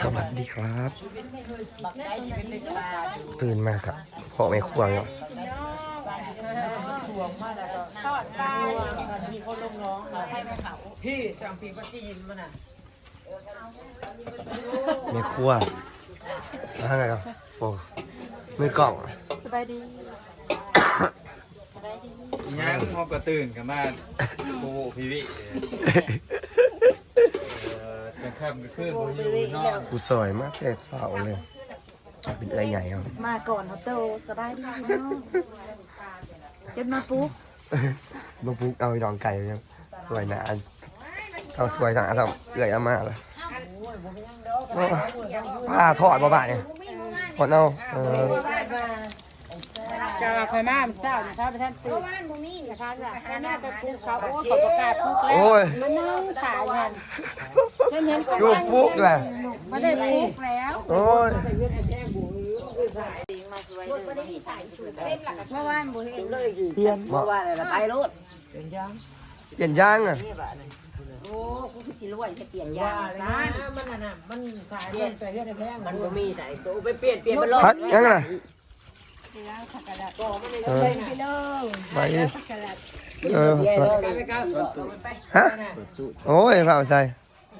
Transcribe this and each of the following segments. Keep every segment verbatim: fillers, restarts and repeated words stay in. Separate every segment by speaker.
Speaker 1: สวัสดีครับตื่นมาครับพ่อแม่ครัวเนาะ
Speaker 2: ทอดปลามีคนลงน้องให้แม่เขาพี่สั่งปีปัจจินมันน่ะ
Speaker 1: แม่ครัวอะไรครับโอ้มือกล่อง
Speaker 2: สบายดี
Speaker 3: ยังพอกระตื่นกันมาโอ้โหพี่วิกลางค่ำกลางคืนผมอยู่นอก
Speaker 1: กูสวยมากแต่เฝ้าเลยเป็นเอ้ยใหญ่ครับ
Speaker 2: มาก่อนเขาโตสบายดีพี่น้องจนมาปุ๊บ
Speaker 1: ลูกปุ๊กเอาดองไก่ยังสวยนะเขาสวยจังอ่ะทำเอื่อยอามาเลยผ้าทอดบ่บ่ายทอดเอาเออ
Speaker 2: จะคอยมามันเศร้าถ้าไปท่านตื่นบ้านมึงนี่นะคะจ้ะข้าหน้าไปปุ๊บเขาโอ้ขอประกาศปุ๊บแล้วมันนั่งขายกันเห็นเห็น
Speaker 1: ลูกปุ๊กเลย
Speaker 2: ไม่ได้ปุ๊บแล้ว
Speaker 1: โอ้ย
Speaker 2: เมื่อวานบุเห็นเลย
Speaker 1: เปลี่ยนเมื่อวานอะไรไปรถเปลี่ยนยางเปลี่ยนยางอ่ะ
Speaker 2: โอ้กูคือสิรวยจะเปลี่ยนยางซะมันน่ะมันสายมันไปเฮ็ดแพงมันก็มีสายตัวไปเปลี่ยนเปลี่ยนมันรถ
Speaker 1: ยังไง
Speaker 2: เออไปเลย
Speaker 1: ไปเออฮะโอ้ยเปล่าใส่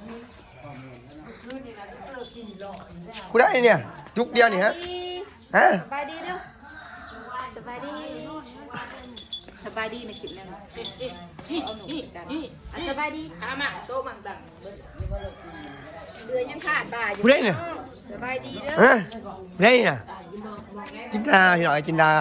Speaker 1: กูได้เนี่ยจุกเดียวนี่ฮะฮะ
Speaker 2: สบายดีเด้อสบายดีสบายดีในคลิปนั้นเอาหนูกันสบายดีอามาโตมังตังเสือยังขาดบ่าอยู่
Speaker 1: กูได้เนี่ย
Speaker 2: สบายดีเด้อ
Speaker 1: ฮะได้เนี่ยจินดาพี่หน่อยจินดา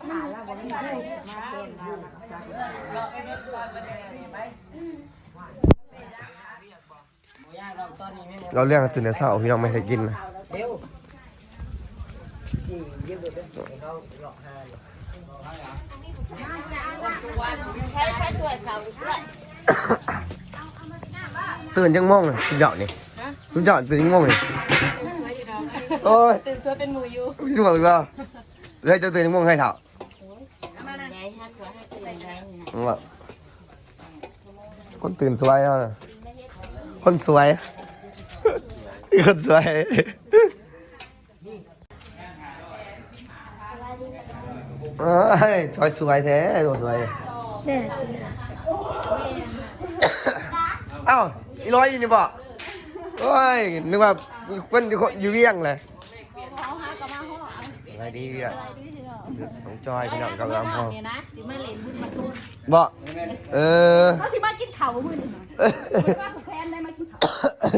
Speaker 1: เราเรื่องตื่นแต่เช้าพี่น้องไม่เคยกินนะตื่นจังม่วงเลยคุณเจาะนี่คุณเจาะตื่นจังม่วงเลยโอ้ย
Speaker 2: ตื่นสวยเป็นหมูยู
Speaker 1: พี่บอกอีกว่าเลยจะตื่นจังม่วงให้เถอะคนตื่นสวยอ่ะคนสวยคนสวยเอ้ยสวยสวยแท้ตัวสวยเด็ดจริงเอ้าอีร้อยอยู่นี่บ่โอ้ยนึกว่าคนอยู่เวียงเลยอะไรดีอ่ะน้องจอยพี่น้องกำลังพอบ่เออ
Speaker 2: เขาสิมากินเข่ามือหนึ่งว่าผูกแขนได้มากินเข่า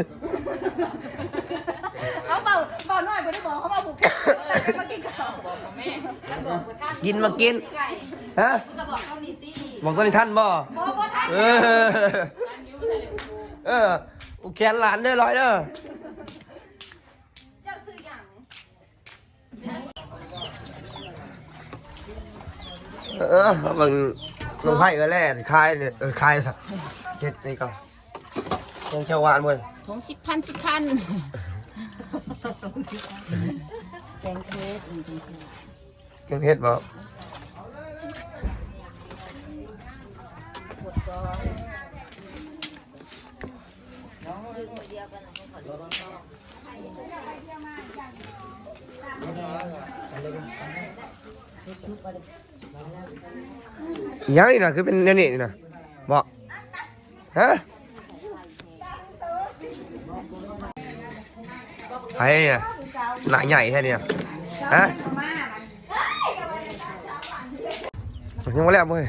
Speaker 2: เขาเบาเบาหน่อยไม่ได้บอกเขาเบาผูกแขนได้มากินเข่าบอกแม่
Speaker 1: กินมากินฮะบอกตอนนี้ท่านบ่เออเออผูกแขนหลานได้ร้อยเด้อเออบางลงไพ่ก็แล่คายเนี่ยเออคายสักเจ็ดนี่ก็ยังเขียวหวานเลย
Speaker 2: ทงสิบพันสิบพันแกงเพชร
Speaker 1: แกงเพชรบ่ยังนี่นะคือเป็นเนี่ยนี่นะบอกฮะไอ้เนี่ยหนาใหญ่แค่นี้ฮะยังไม่แล้วมั้ย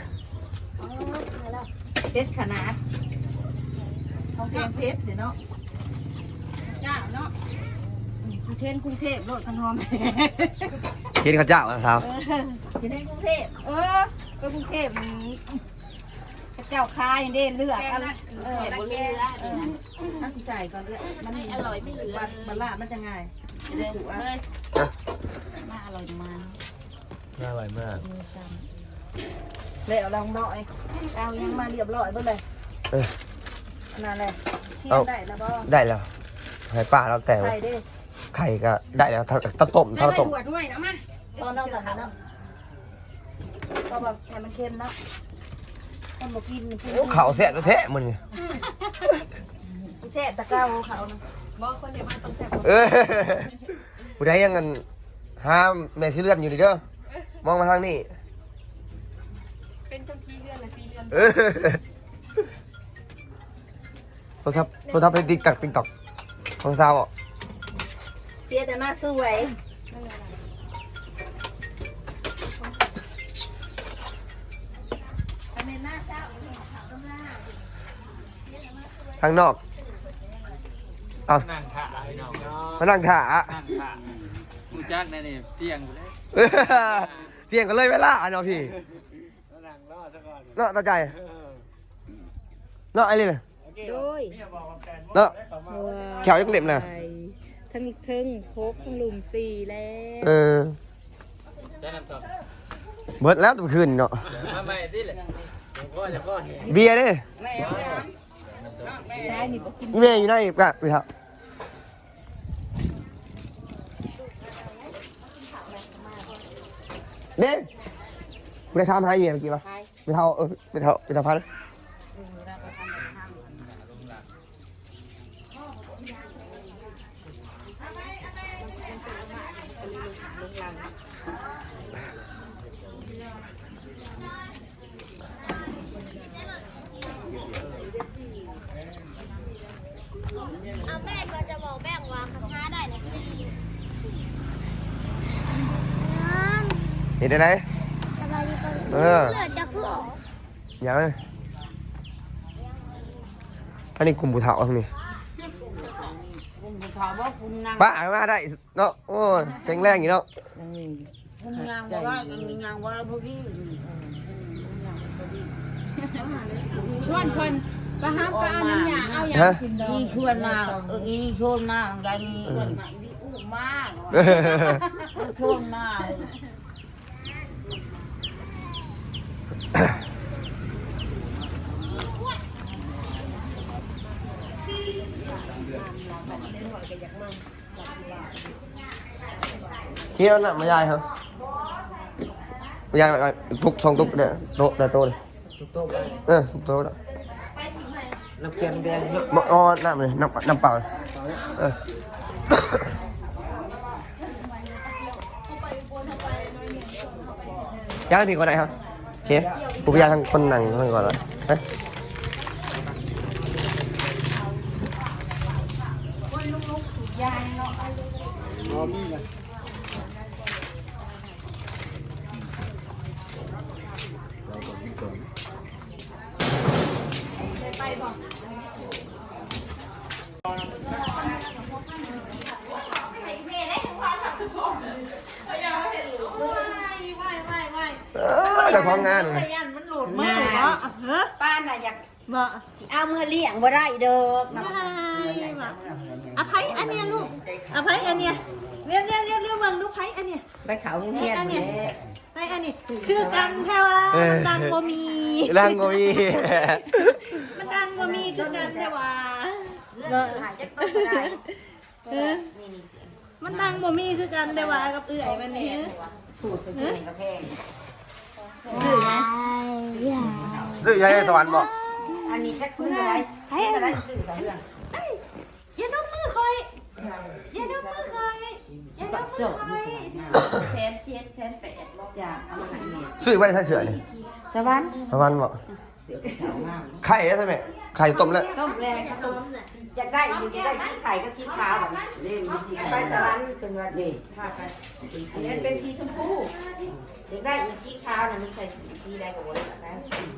Speaker 2: เพชรขนาดของแกงเพชรเนาะเจ้าเนาะกรุงเทพกรุงเทพรถกันหอม
Speaker 1: กินข้าวเจ้าครับ
Speaker 2: กรุงเทพกรุงเทพเออไปกรุงเทพเจ้าคายเด่นเลือกอะไรเออบนเรือถ้าสิใส่ก่อนเลือกมันอร่อยไม่เหลือมันละมันจะง่ายเลยน่าอร่อยมาก
Speaker 1: น่าอร่อยมาก
Speaker 2: เลยเอาลองหน่อยเอายังมาเรียบร้อยเบิ่งเลย
Speaker 1: เออ
Speaker 2: นั่นแหละเที่ยได้แล้วบ่
Speaker 1: ได้แล้วให้ป้าเราแต่
Speaker 2: ไข่ดิ
Speaker 1: ไข่ก็ได้แล้วถ้าต้มถ้าต้ม
Speaker 2: ใส่ด้วยนะมาตอนเราตัดนะเราแบบให้มันเค็มนะคนบอกกิน
Speaker 1: เขาแซ่บแท้มึง
Speaker 2: แช่ตะเก้าเขานะบอกคนเดียวมาต้องแซ่บ
Speaker 1: เออผู้ใดยังเงินห้ามแม่ซีเลือนอยู่ดิเด้อมองมาทางนี้
Speaker 2: เป็นคนขี้เลื่อนและซีเลื่อน
Speaker 1: เออโทรศัพท์โทรศัพท์เป็นติ๊กตักติ๊กตักของสาวอ่ะ
Speaker 2: เสียแต่มาสวยอันนี้หน้าเจ้าต้มหน้า
Speaker 1: ทางนอกเอา
Speaker 3: นั่งถ่าไอ้น้องเนาะ
Speaker 1: มานั่งถ่า
Speaker 3: นั่งถ่ามูจักแน่นี่เตียงกูเลย
Speaker 1: เออเที่ยงกันเลยเวลาเนาะพี่
Speaker 3: นั่งรอซะก่อน
Speaker 1: เนาะตาใจ
Speaker 3: เออ
Speaker 1: เนาะไอ้นี่น่ะ
Speaker 2: โดย
Speaker 1: เนาะแขวยักเล็บน่ะ
Speaker 2: ทั้งทึ่งพกทั้งลุมสี่แล้ว
Speaker 1: เออ
Speaker 3: ได้น้ำตก
Speaker 1: เบิดแล้วตัวคืนเนาะ
Speaker 3: มาใหม่ดิเลยผมก็จะก็เห็น
Speaker 1: เบียร์เด้
Speaker 2: ใช่นี่บอกกิน
Speaker 1: อีเมย์อยู่ไหนกะไปครับเด้กูได้ทำให้เมียเมื่อกี้ปะไปเท่าเออไปเท่าไปเท่าพัน
Speaker 4: เอาแม่ก็จะบอกแบ่งวางคาถาได้นะพี่
Speaker 1: เห็นได้ไหม
Speaker 4: สบายดีป่ะ
Speaker 1: เออ
Speaker 4: เลือดจะเพื่อ
Speaker 1: อย่างนั้นอันนี้กลุ่มบุเถาทั้งนี้
Speaker 2: ผมถามว่าคุณนาง
Speaker 1: ป้ามาได้เนาะโอ้ยแข็งแรงอยู่เนาะ
Speaker 2: คุณนางว่าคุณนางว่าพวกนี้
Speaker 5: ชวนคนไปห้ามก็เอาน้ำยาเอายา
Speaker 1: ฮะ
Speaker 5: กินดอก
Speaker 2: นี่ชวนมาเออนี่ชวนมากันนี่
Speaker 5: ชวนมาอีอู้มาก
Speaker 1: เออ
Speaker 2: ชวนมา
Speaker 1: เชี่ยวน่ะมายายครับมายายแบบทุกสองทุกเนี่ยโตแต่โตเลย
Speaker 3: ตุ๊กโต๊ะไป
Speaker 1: เออทุกโตแล้ว
Speaker 3: น้ำเค็มแดงเยอะ
Speaker 1: มอ๋อน้ำเลยน้ำน้ำเปล่าเลยเออ ย่างพี่คนไหนครับโอเคกูพยายามทางคนหนังคนก่อนเลยฮะเออแต่ความงานเลย
Speaker 2: ยันมันหลุดมือเหรอฮะ
Speaker 5: ป้าน่ะอยาก
Speaker 2: บ่
Speaker 5: สิเอาเมื่อเลี้ยงบ่ได้เด้อ
Speaker 2: อภัยอันเนี้ยลูกอภัยอันเนี้ยเรียนเรียนเรียนเรื่องเมืองลูกไผ่อันเนี้ย
Speaker 5: ไปเขาเฮียน
Speaker 2: อัน
Speaker 5: เนี่
Speaker 2: เนี้ยไอ้อันนี้คือกันแท้ว่ามันดังบ่มี
Speaker 1: ร่างโงย
Speaker 2: มันดังบ่มีคือกันแท้ว่า
Speaker 5: เลิกหายจักต้นก็ได้
Speaker 2: เออมันดังบ่มีคือกันแต่ว่ากับเอื้อยมันนี่
Speaker 5: สูตรเป็นกาแฟ
Speaker 2: ซื้อไง
Speaker 1: ซื้อยายสวรรค์บอก
Speaker 5: อันนี้จักพื้นอะไรให้อะไรซื้อสองเรื่อง
Speaker 2: อย่านกมือคอยอย่านกมือคอยอย่านกมือคอยแสนเจ็ดแสนแปด
Speaker 5: จ้ะเอามาให้แม่
Speaker 1: ซื้อไว้ใส่เสือนี่
Speaker 5: สวรรค์
Speaker 1: ประมาณบอก
Speaker 5: เสือเป็นขาวงาม
Speaker 1: ไข่ได้ใช่ไหมไข่ต้มแล้ว
Speaker 5: ต้มแรงข้าวต้มอยากได้อยู่จะได้สีไข่ก็สีขาวแบบนี้ไปสวรรค์เป็นว่าสิพาไปอันนี้เป็นสีชมพูอยากได้อีกสีขาวน่ะมีใส่สีสีแดงกับโบราณนะ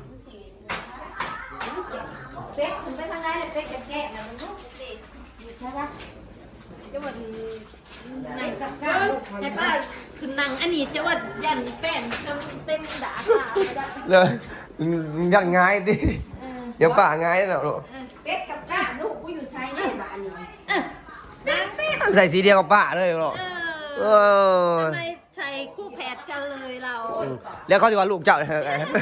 Speaker 5: เป๊กคุณไปทางไหนเลยเป๊กแก่ๆนะมันลูกสิอยู่ใช่ปะ
Speaker 2: จะว่าไหนสักการแต่ว่าคือนังอันนี้จะว่ายันแป้นเต็มด่าค่ะ
Speaker 1: เลยยันง่ายดิเดี๋ยวป่าง่ายแล้วลูก
Speaker 5: เป็ดกับก้าลูกกูอยู่ใช้ในบ้านนี่
Speaker 2: นางเป็ด
Speaker 1: ใส่สีเดียวกับป่าเลยลูก
Speaker 2: เอ
Speaker 1: เอ
Speaker 2: อ
Speaker 1: อ
Speaker 2: ทำไมใช้คู่แผดกันเลยเรา
Speaker 1: แล้วเขาจะว่าลูกเจ้าเลย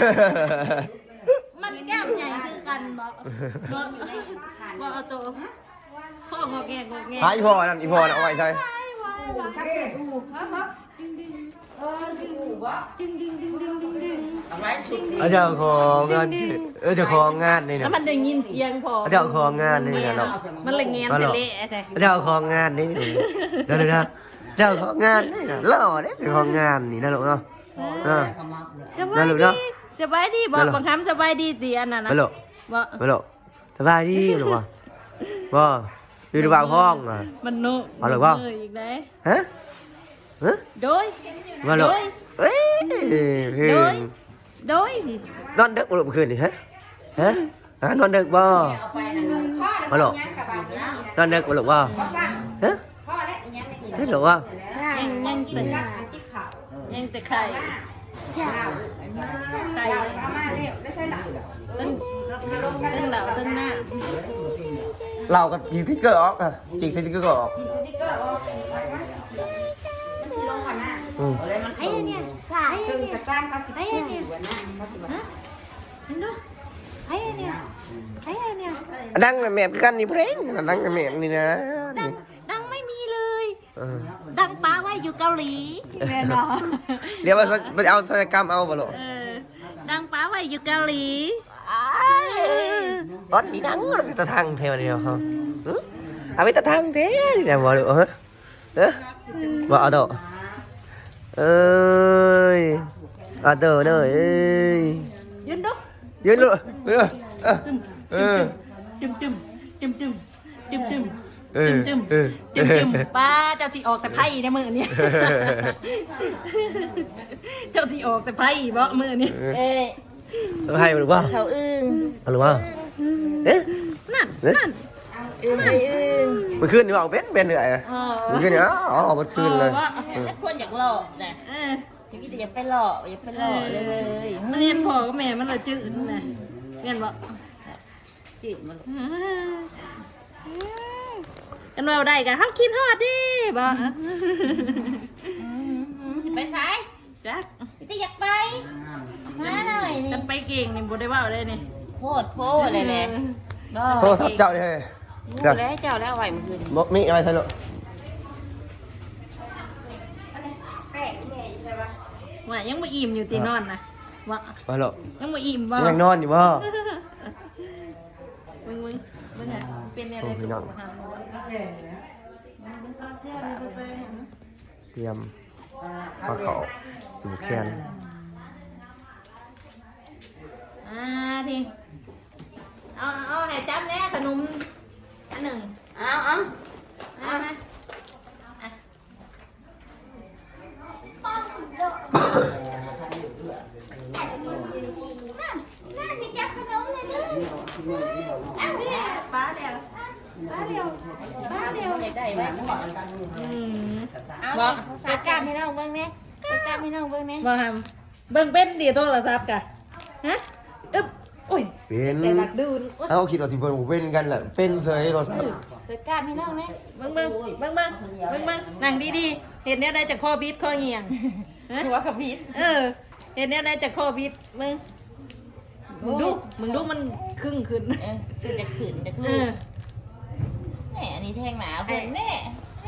Speaker 2: มันแก้มใหญ่คือกันบอกบอกบอกเอาตัวข้องอแงงอแง
Speaker 1: หาอีพอนั่นอีพอน่ะเอาไว้ใส่
Speaker 5: ถ้าเป็ดอูเฮ้ยเฮ้ยเอออูบ่
Speaker 2: ดึงดึงดึงดึงดึงดึง
Speaker 5: เอาไว้ชุดนี้
Speaker 1: เอาเจ้าของงานเออเจ้าของงานนี่
Speaker 2: แล้
Speaker 1: นะ
Speaker 2: วมันได้ยินเสียงพอ
Speaker 1: เอาเจ้าของงานนี่นะเนาะ
Speaker 2: มันเลยเงี้ยเละๆเลย
Speaker 1: เอาเจ้าของงานนี่เดี๋ยวนะเจ้าของงานนี่นะหล่อเด้เจ้าของงานนี่นะลูกเนาะเออ
Speaker 2: สบายดีสบายดีบอกบางคำสบายดีเตียนน่ะนะ
Speaker 1: ไปลูก
Speaker 2: บอก
Speaker 1: ไปลูกสบายดีหรือวะบ่อยู่ในบ้านห้องอ่ะ
Speaker 2: มันนุ
Speaker 1: เอาเลยว่า
Speaker 2: อีกได้
Speaker 1: ฮะฮะ
Speaker 2: โดย
Speaker 1: มาลูก
Speaker 2: โดย
Speaker 1: เอ้ยเฮ้
Speaker 2: โดย
Speaker 1: ย
Speaker 2: โดย
Speaker 1: นอนดึกบ่ลูกเมื่อคืนนี่ฮะฮะฮะนอนดึกบ่มาลูกนอนดึกบ่ลูกบ่ฮะเฮ้ยลูกว่า
Speaker 2: ยังยังแต่ยังแต่ไข่ไข่ตั้งตั้งเหล่าตั้งหน้า
Speaker 1: เราก็ยิงที่เกอร์ออกอ่ะจิงที่เกอร์ออกอืม
Speaker 2: ไอ้เนี่ยไอ้
Speaker 5: ซึ่ง
Speaker 2: เนี่ย
Speaker 5: จะจ้างเขาสิ
Speaker 2: ไอ้เนี่ยฮะเห็นดูไอ้เนี่ยไอ้เนี่ย
Speaker 1: ดังแม่กันนี่เพลงดังแม่นี่นะ
Speaker 2: ดังดังไม่มีเลย
Speaker 1: เออ
Speaker 2: ดังป้าไว้อยู่เกาหลีแม่เนาะ
Speaker 1: เดี๋ยวไปเอาศัลยกรรมเอาบ่ลูก
Speaker 2: เออดังป้าไว้อยู่เกาหลี
Speaker 1: ตอนนี้ดังเราไปตะทางเทวเดียวเขาเอาไปตะทางเทนี่นะบ่ลูกเฮ้ยเออบ่เอาตัวเอ้ยเอาตัวเด้อเอ้ย
Speaker 2: ยืนดู
Speaker 1: ยืนลูกเออเออ
Speaker 2: จุ่มจุ่มจุ่มจุ่มจุ่มจุ่ม
Speaker 1: เออ
Speaker 2: จุ่ม
Speaker 1: เออ
Speaker 2: จุ่มจุ่มป้าเจ้าที่ออกแต่ไพ่ในมือเนี่ยเจ้าที่ออกแต่ไพ่บ่มือเนี่ย
Speaker 5: เอ้ย
Speaker 1: เอาให้บ่ลูกว่า
Speaker 5: เขาอึ้ง
Speaker 1: เอาลูกว่าเอ๊ะ
Speaker 2: นั่นนั่น
Speaker 5: อึ้งไปอึ้ง
Speaker 1: เมื่อคืนนี่ออกเป็นเป็นเหนื่อย
Speaker 2: เออ
Speaker 1: เมื่อคืนนี่อ๋อออกเมื่อคืนเลย
Speaker 5: แล้วคนอยากหล่อนะ
Speaker 2: เออ
Speaker 5: พี่แต่อย่าไปหล่ออย่าไปหล่อเลย
Speaker 2: มันเรียนพ่อกับแม่มันละจืดนะเรียนบ่
Speaker 5: จืดมัน
Speaker 2: กันว่าได้กันเฮากินฮอดดิบ่
Speaker 5: ไปซ้าย
Speaker 2: จัก
Speaker 5: พี่แต่อยากไปมาหน่อยนี่
Speaker 2: กันไปเก่งนี่บ่ได้เว้าได้นี่
Speaker 5: โคตรโพเลยแหละก็
Speaker 1: โทรศัพท์เจ้าดิเฮ้ย
Speaker 5: รู้แล้วเจ้าแล้วไหวมันคืน
Speaker 1: บอกมีอะไรใช่ลูก
Speaker 2: ว่ายังบ่อิ่มอยู่ตีนอนนะว่า
Speaker 1: มาลูก
Speaker 2: ยังบ่อิ่มบ่
Speaker 1: ยังนอนอยู่บ่
Speaker 2: มึงมึงมึงอ่ะเป็นอะไรสุขภาพ
Speaker 1: เตรียมปลาเขาสูบแคน
Speaker 2: อ่าทีเอาเอาให้จับแน่ขนมอันหนึ่ง
Speaker 5: เอาเอา
Speaker 2: เอามา
Speaker 4: น่ามีจับขนมเลยเด้อ
Speaker 2: ป้าเดียวป้าเดียวป้าเดียว
Speaker 5: อยากได้ไหม
Speaker 2: อืม
Speaker 5: เอาเปิดกล้ามให้น้องเบิ้งเนี่ยเปิดกล้ามให้น้องเบิ้งเนี่ย
Speaker 2: บ่ทำเบิ่งเป็นดีโทรศัพท์กะฮะอึ๊บอุ้ย
Speaker 1: เป็น
Speaker 2: แต่หลักดูน
Speaker 1: เอาคิดต่อสิเพิ่นบ่เป็นกันแหละเป็นเสยโทรศัพท์
Speaker 5: เปิดกล้ามให้น้องไหม
Speaker 2: เบิ่งเบิ่งเบิ่งเบิ่งเบิ่งเบิ่งนั่งดีๆเห็นแนวใดจากข้อบิดข้อเหี่ยงฮะ
Speaker 5: หัวกับพีท
Speaker 2: เออ เห็นแนวใดจากข้อบิดมึงมึงดูมึงดูมันครึ่งขึ้น
Speaker 5: เออคือจะขืนจะ
Speaker 2: เอ
Speaker 5: ลู
Speaker 2: อก
Speaker 5: แหมอันนี้แทงหนาเพิ่นแม่แม่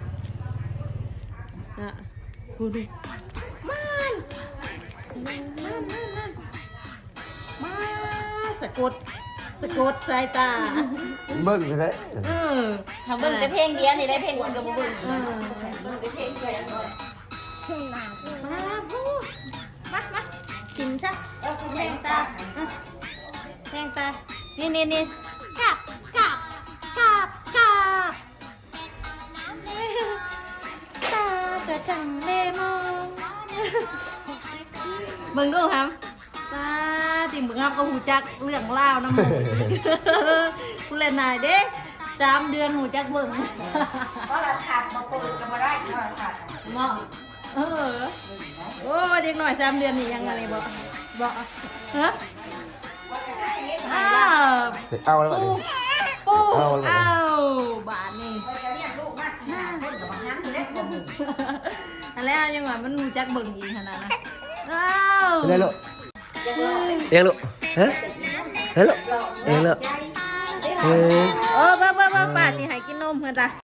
Speaker 2: อ่ะดูดิมันมันมันมันมาสะกดสะกดสายตา
Speaker 1: เบิ่งแท้
Speaker 2: เออ
Speaker 5: ทำเบิ้งแต่เพลงเดียวนี่ได้เพลงอื่นก็บ่เบิ้ง
Speaker 2: เออ
Speaker 5: เบิ้งแต่เพลงเดียว
Speaker 2: มาพูมามากินซะเออแทงตาเออแทงตา นี่นี่นี่กลับกลับกลับกลับตากระจังเลมองมึงดูครับตาที่มึงครับก็หูจักเรื่องเล่าวน้ำหมูกูเล่นนายเด้สามเดือนหูจักเบิ่ง
Speaker 5: เพราะเราถัดมาเปิดก็บ่ได้เพราะเราถัด
Speaker 2: เนาะเออโอ้เด็กหน่อยสามเดือนนี่ยังอะไรบอกบอกฮะอ้าว
Speaker 1: ๆเอาแล้วบัดนี้
Speaker 2: ปู
Speaker 1: เอาแล้ว
Speaker 2: อ้าวบาทนี่
Speaker 5: เนี่ยลูกมาสิหาเพิ่นกับบางน้ำนี่แหละบ่มี
Speaker 2: อะไรยังไงมันหูจักเบิ่งอีกขนาดนั้นอ้าว
Speaker 1: เป็นไรลูกเลี้ยงลูกฮะเฮ้ยลูกเลี้ยงลูกเฮ้ย
Speaker 2: เออบ้าบ้าบ้าป้าสิให้กินนมเพื่อนจ้ะ